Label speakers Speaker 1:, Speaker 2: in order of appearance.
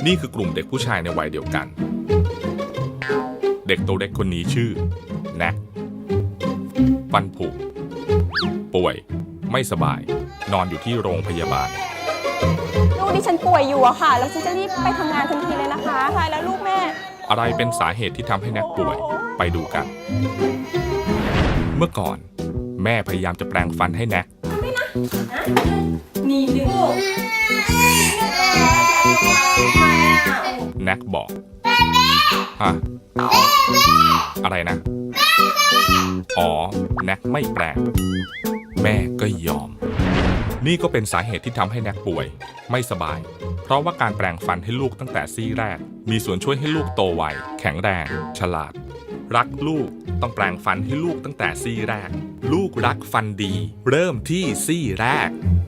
Speaker 1: นี่คือกลุ่มเด็กผู้ชายในวัยเดียวกัน เด็กตัวเล็กคนนี้ชื่อแน็กฟันผุป่วยไม่สบายนอนอยู่ที่โรงพยาบาล
Speaker 2: ลูกดิฉันป่วยอยู่อะค่ะแล้วฉันจะรีบไปทำงานทันทีเลยนะคะตายแล้วลูกแม่
Speaker 1: อะไรเป็นสาเหตุที่ทำให้แน็กป่วยไปดูกัน เมื่อก่อนแม่พยายามจะแปรงฟันให้แน็ก
Speaker 2: นี่ดึง
Speaker 1: แน็กบอกฮะอะไรนะอ๋อแน็กไม่แปรงแม่ก็ยอมนี่ก็เป็นสาเหตุที่ทำให้แน็กป่วยไม่สบายเพราะว่าการแปรงฟันให้ลูกตั้งแต่ซี่แรกมีส่วนช่วยให้ลูกโตไวแข็งแรงฉลาดรักลูกต้องแปรงฟันให้ลูกตั้งแต่ซี่แรกลูกรักฟันดีเริ่มที่ซี่แรก